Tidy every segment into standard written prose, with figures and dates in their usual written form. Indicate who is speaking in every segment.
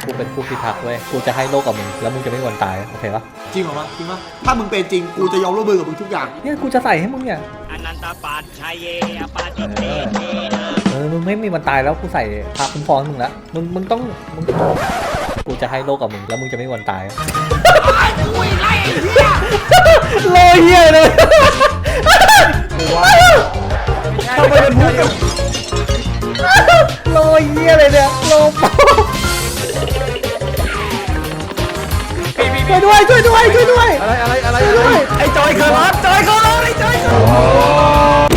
Speaker 1: กูเป็นผู้พิทักษ์เว้ยกูจะให้โลกกับมึงแล้วมึงจะไม่มีวันตายโอเคปะ
Speaker 2: จริงเหรอวะจริงปะถ้ามึงเป็นจริงกูจะยอมร่วมมือกับมึงทุกอย่าง
Speaker 1: เนี่ยกูจะใส่ให้มึงเนี่ย
Speaker 3: อนันตปัจชัยเยอปาติเตเทนะ
Speaker 1: มึงไม่มีวันตายแล้วกูใส่พาคุ้มครองให้มึงละมึงต้องกูจะให้โลกกับมึงแล้วมึงจะไม่มีวันตายโลเฮียเลย
Speaker 2: ทำไมเป็นพูดกับ
Speaker 1: โลเฮียเลยเนี่ยโลเปาช่วยด้วย
Speaker 2: อะไรไอ้จอยเคอร์ลอสไอ้จอยเคอร์ลอส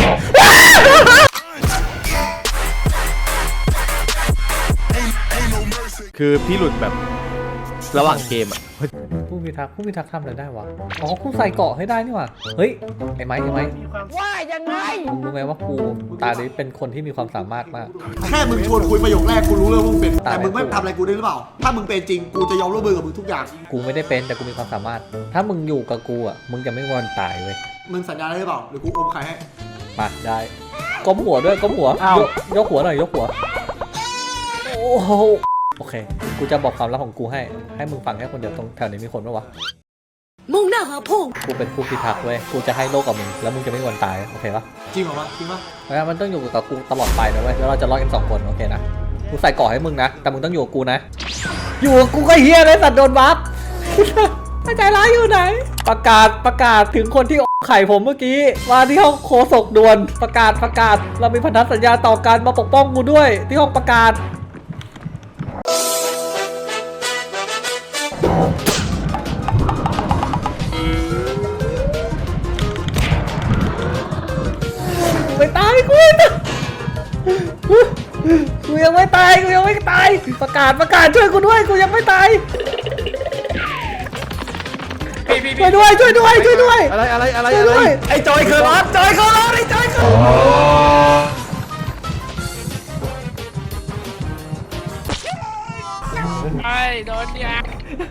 Speaker 2: คือพี่หลุดแบบระหว่างเกมอ่ะ
Speaker 1: ผู้พิทักษ์ทำอะไรได้วะอ๋อกูใส่เกาะให้ได้นี่หว่าเฮ้ยไอ้ไม้
Speaker 3: ว่ายังไง
Speaker 1: มึงรู้ไหมว่ากูตานี้เป็นคนที่มีความสามารถมาก
Speaker 2: แค่มึงชวนคุยประโยคแรกกูรู้เลยว่ามึงเป็นแต่มึงไม่ทำอะไรกูได้หรือเปล่าถ้ามึงเป็นจริงกูจะยอมร่วมมือกับมึงทุกอย่าง
Speaker 1: กูไม่ได้เป็นแต่กูมีความสามารถถ้ามึงอยู่กับกูอ่ะมึงจะไม่มีวันตายเว้ย
Speaker 2: มึงสัญญาได้หรือเปล่าหรือกูอมไข่ให้
Speaker 1: มาได้ก้มหัวด้วยก้มหัวยกหัวหน่อยยกหัวโอ้โหโอเคกูจะบอกความลับของกูให้มึงฟังแค่คนเดียวตรงแถวนี้มีคนปะวะ
Speaker 4: มุ่งหน้าหาพง
Speaker 1: กูเป็นผู้พิทักษ์เว้ยกูจะให้โลกกับมึงแล้วมึงจะไม่มีวันตายโอเคปะ
Speaker 2: จริงเหรอวะจริงปะ
Speaker 1: มันต้องอยู่กับกูตลอดไปนะเว้ยแล้วเราจะรอดกัน2 คนโอเคนะกูใส่เกาะให้มึงนะแต่มึงต้องอยู่กับกูนะอยู่กับกูก็เฮียเลยสัตว์โดนบัฟใจร้ายอยู่ไหนประกาศถึงคนที่ไข่ผมเมื่อกี้มาที่ห้องโฆษกด่วนประกาศเรามีพันธสัญญาต่อกันมาปกป้องกูด้วยที่ห้องประกาศไม่ตายกูยังไม่ตายประกาศช่วยกูด้วยกูยังไม่ตายช่วยด้วย
Speaker 2: อะไรไอ้จอยเคอร์ลอสไอ้จอยเคอร์ลอส
Speaker 3: ไอ้โดนยา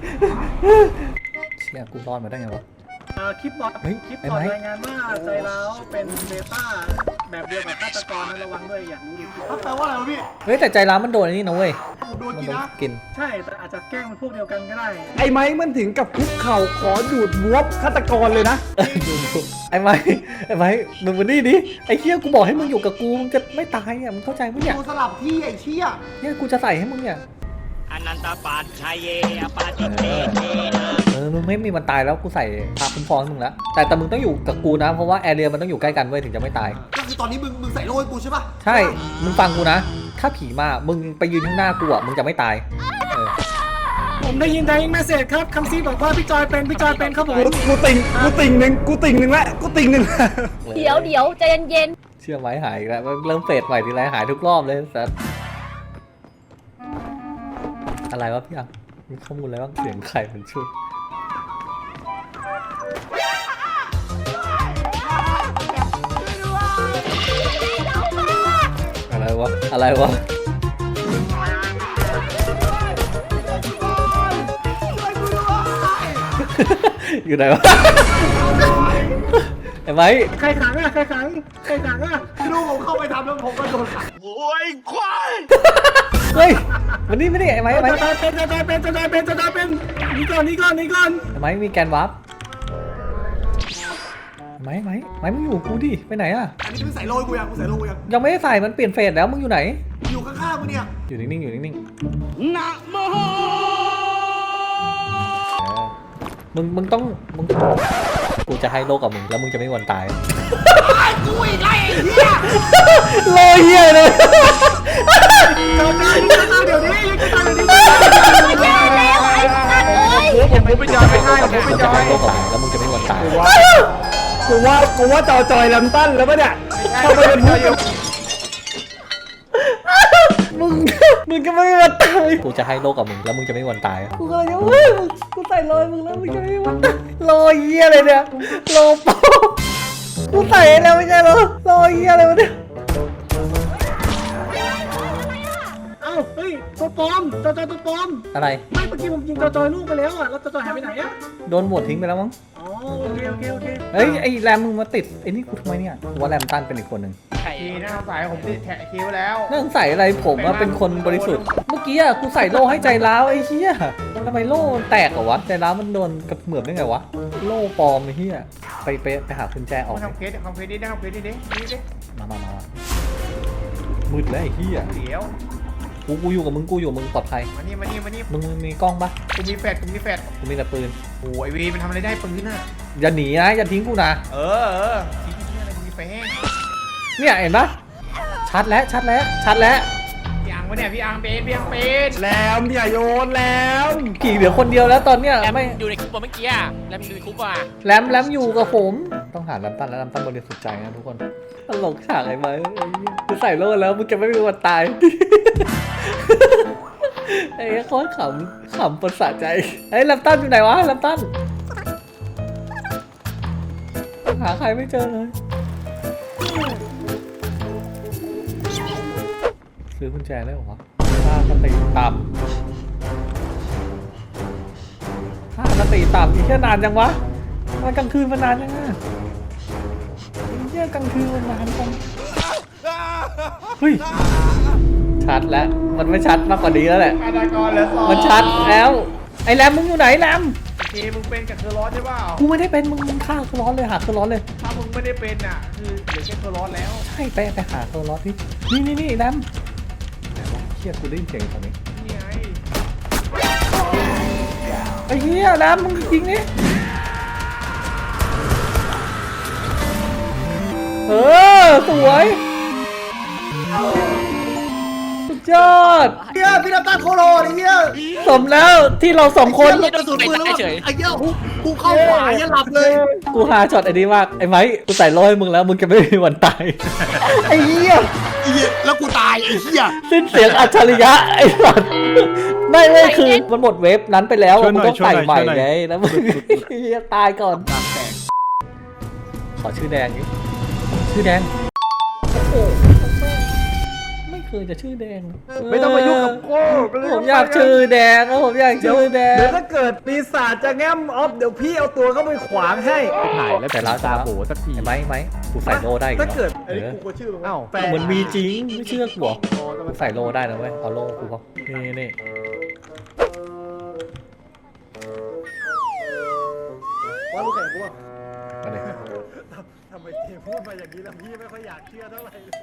Speaker 1: เชี่ยกูรอดมาได้ไงวะ
Speaker 5: คลิปบอทรายงานว่าใจร้าวเป็นเบต้าแบบเดียวกับฆาตกรนะระวังด้วยอยากรู้ดิ
Speaker 2: แปลว่าอะไรวะพี่
Speaker 1: เฮ้ยแต่ใจร้าวมันโดนอันนี้นะเว้ย
Speaker 2: ผมโดน
Speaker 1: มันโดน
Speaker 2: กินนะ
Speaker 1: กิน
Speaker 5: ใช่แต่อาจจะแกล้งเป็นพวกเดียวกันก็ได้
Speaker 6: ไอ้ไม้มันถึงกับคุกเข่าขอดูดวบฆาตกรเลยนะ
Speaker 1: ไอ้ไม้มึงมานี่ดิไอ้เชี่ยกูบอกให้มึงอยู่กับกูมึงจะไม่ตายอ่ะมึงเข้าใจมั้ยเนี่ย
Speaker 2: กูสลับที่ไอ้เชี่ย
Speaker 1: เนี่ยกูจะใส่ให้มึงเนี่ย
Speaker 3: อนันตปัจชัยเยอปาติเตเทนะ
Speaker 1: มึงไม่มีวันตายแล้วกูใส่พาคุ้มครองให้มึงแล้วแต่มึงต้องอยู่กับกูนะเพราะว่าแอเรียมันต้องอยู่ใกล้กันเว้ยถึงจะไม่ตาย
Speaker 2: ก็คือตอนนี้มึงใส่โล่ให้กูใช่ปะ
Speaker 1: ใช่มึงฟังกูนะถ้าผีมามึงไปยืนข้างหน้ากูอ่ะมึงจะไม่ตาย
Speaker 5: ผมได้ยินแมสเสจครับคำซีบอกว่าพี่จอยเป็นครับผม
Speaker 6: กูติ่งหนึ่งแล้ว
Speaker 4: เดี๋ยวใจเย็น
Speaker 1: เชื่อไหมหายแล้วเริ่มเฟดใหม่ทีไรหายทุกรอบเลยสัสอะไรวะพี่อ่ะมีข้อมูลอะไรบ้างเสียงไข่มันชุดอะไรวะอยู่ไหนวะไอ้ไม้
Speaker 5: ใครขังอ่ะ
Speaker 2: ลูกผมเข้าไปทำแล้วผมก็โดนขัง
Speaker 3: โอ้ยควาย
Speaker 1: เฮ้ยวันนี้ไม่ได้ไอ้ไม้
Speaker 5: เป็นนี่ก่อน
Speaker 1: ไอ้ไม้มีแกนวาร์ปไม้มึงอยู่กูดิไปไหนอ่ะ
Speaker 2: อันนี้มึงใส่โล่กู
Speaker 1: ยังไม่ได้ใส่มันเปลี่ยนเฟสแล้วมึงอยู่ไหน
Speaker 2: อยู่ข้างๆมึงเนี่ย
Speaker 1: อยู่นิ่ง
Speaker 3: นะโม
Speaker 1: มึงต้องกูจะให้โลกกับมึงแล้วมึงจะไม่มีวันตาย
Speaker 2: กูอีกไล่เฮีย
Speaker 1: โลเฮียเลย
Speaker 5: เดี๋ยวนี้
Speaker 4: แย่แล้วไอ้สัตว์เอ้ย
Speaker 3: ผมไปจอยไม่ให้ผมไปจอย
Speaker 1: แล้วมึงจะไม่มีวันตาย
Speaker 6: กูว่าจอยลำตั้นแล้วปะเนี่ยเข้าไปเป็นผู้
Speaker 1: มึงก็ไม่มีวันตายกูจะให้โลกกับมึงแล้วมึงจะไม่มีวันตายกูก็เลยจะเฮ้ยกูใส่โลยมึงแล้วมึงจะไม่มีวันตายโลเฮียเลยเนี่ยโลเปากูใส่แล้วไม่ใช่เหรอโลเฮียอะไรวะเนี่ย
Speaker 5: เฮ้ยตัวปลอมจอยตัวปลอม
Speaker 1: อะไร
Speaker 5: ไม่เมื่อกี้ผมยิงจอยลูกไปแล้วอ่ะแล้วจอยหายไปไหนอ่ะ
Speaker 1: โดนโหวตทิ้งไปแล้วมั้ง
Speaker 5: อ๋อโอเค
Speaker 1: เฮ้ยไอ้แรมมึงมาติดไอ้นี่กูทำไมเนี่ยกูว่าแรมตันเป็นอีกคนหนึ่ง
Speaker 6: คีน่าสงสัยผมติดแท็กคิวแล้ว
Speaker 1: น่าสงสัยอะไรผมว่าเป็นคนบริสุทธิ์เมื่อกี้อะกูใส่โล่ให้ใจร้าวไอ้เหี้ยทำไมโล่มันแตกเหรอวะใจร้าวมันโดนกับเหมือบได้ไงวะโล่ปลอมไอ้เหี้ยไปหากุญแจออก
Speaker 6: ทำเคสดิทำเคสดิ
Speaker 1: มามืดแล้วไอ้เหี้ย
Speaker 6: เดี๋ยว
Speaker 1: กูอยู่กับมึงปลอดภัย
Speaker 6: มานี่
Speaker 1: มึงมีกล้องปะ
Speaker 6: กูมีแฟด
Speaker 1: กูมีแต่ปืน
Speaker 6: โอ้ยวีมันทำอะไรได้ปืนน่ะ
Speaker 1: อย่าหนีนะอย่าทิ้งกูนะ
Speaker 6: ทิ้งที่อะไรมีแฟง
Speaker 1: เนี่ยเห็นปะชัดแล้ว
Speaker 6: พี่อังวะเนี่ยพี่อังเป็น
Speaker 5: แหลมอย่าโยนแหลม
Speaker 1: กี่เหลือคนเดียวแล้วตอนเนี้ย
Speaker 3: แรม
Speaker 1: ไม่
Speaker 3: อยู่ในคุกเมื่อกี้แรมอยู่ในคุกว่ะ
Speaker 1: แรมอยู่กับผมต้องหาแรมตันแล้วแรมตันบริสุทธิ์ใจนะทุกคนตลกฉากไอ้ไม้กูใส่โล่แล้วมึงจะไม่มีวันตาย ไอ้โคตรขำปนสะใจไอ้แรมตันอยู่ไหนวะแรมตันหาใครไม่เจอเลยซื้อกุญแจได้หรอวะถ้าสติต่ำอีกแค่นานจังวะมันกลางคืนมันนานยังไงกลางคืนมันนานจังเฮ้ยชัดแล้วมันไม่ชัดมากกว่านี้แล้วแหละ
Speaker 6: ฆาตกรเหลือ2
Speaker 1: มันชัดแล้วไอ้แรมมึงอยู่ไหนแรม
Speaker 6: เคมึงเป็นกับเคอร์ลอสใช่เปล่า
Speaker 1: กูไม่ได้เป็นมึงฆ่าเคอร์ร้อนเลยหาเคอร์ร้อนเลย
Speaker 6: ถ้ามึงไม่ได้เป็นอ่ะคือเหลือแค่เคอร์ลอสแล้ว
Speaker 1: ใช่ไปหาเคอร์ร้อนนี่แรมไหนวะเฮียกูได้ยินเสียงตอนนี้
Speaker 6: นี่ไง
Speaker 1: ไอ้เฮียแรมมึงจริงนี่สวยสุดยอด
Speaker 2: เฮียพี่น้ำตาลโคโรไอ้เฮีย
Speaker 1: สมแล้วที่เราสองคน
Speaker 2: เฮียกระสุนปืนแล้วไอ้เฮียกูเข้าขวาเฮียหลับเลย
Speaker 1: กูหาช็อตไอ้นี้มากไอ้ไม้กูใส่โล่ให้มึงแล้วมึงจะไม่มีวันตายไอ้เหี้ย
Speaker 2: ไอ้เฮียแล้วกูตายไอ้เฮีย
Speaker 1: สิ้นเสียงอัจฉริยะไอ้สัตว์ไม่คือมันหมดเวฟนั้นไปแล้วมึงต้องใส่ใหม่ไงแล้วมึงเหี้ยตายก่อนขอชื่อแดงนี้ชื่อแดงโอ้โหไม่เคยจะชื่อแดง
Speaker 6: ไม่ต้องมายุ่งกับกู
Speaker 1: ผมอยากชื่อแดงผมอยากชื่อแดง
Speaker 5: เดี๋ยวถ้าเกิดปีศาจจะแง้มออฟเดี๋ยวพี่เอาตัวเข้าไปขวางให้
Speaker 6: ถ่ายแล้ว
Speaker 1: แต่ละตาโหสักทีไหมกูใส่โลได้
Speaker 5: ถ้าเกิด
Speaker 2: ไอ้นี่กูก็ชื่อมึง
Speaker 6: เอ้า
Speaker 1: มันมีจริงไม่เชื่อกูใส่โลได้นะเว้ยเอาโลกูพอนี่
Speaker 2: ว่าลูกแข่งกูอ่ะ
Speaker 1: อะไร
Speaker 5: ทำไมเทพูดมาอย่างนี้แล้วพี่ไม่ค่อยอยากเชื่อเท่าไหร่เลย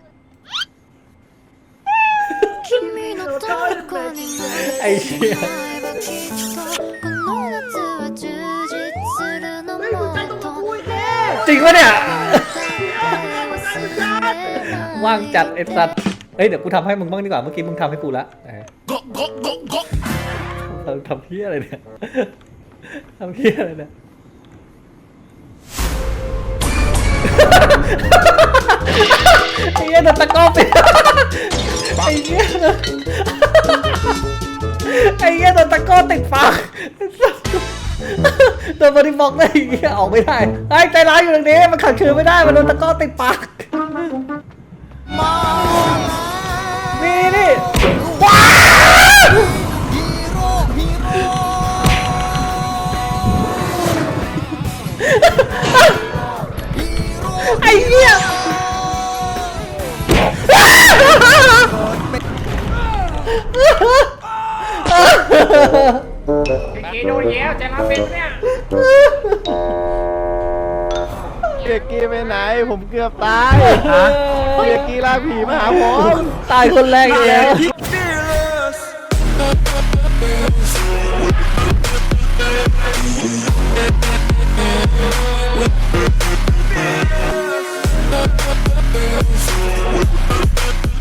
Speaker 1: ไอ้เชี่ย
Speaker 2: ไม่มึงใจต้องมาคุยแน่
Speaker 1: จริงปะเนี่ยว่างจัดไอ้สัตว์เฮ้ยเดี๋ยวกูทำให้มึงบ้างดีกว่าเมื่อกี้มึงทำให้กูละทำเพี้ยอะไรเนี่ยทำเพี้ยอะไรเนี่ยไอ้เหี้ยโดนตะกร้อไปไอ้เหี้ยโดนตะกร้อติดปากโดนบอดี้บล็อกได้ไอ้เหี้ยออกไม่ได้ไอ้ใจร้ายอยู่ตรงนี้มันขัดขืนไม่ได้มันโดนตะกร้อติดปากนี่ว้าวไอ้เหี้ย
Speaker 6: เคโดนแย้วจะรับเป็นเนี่ยเกียกี้ไปไหนผมเกือบตายเกียกี้ลากผีมาหาผม
Speaker 1: ตายคนแรกแล้ว
Speaker 7: We'll be right back.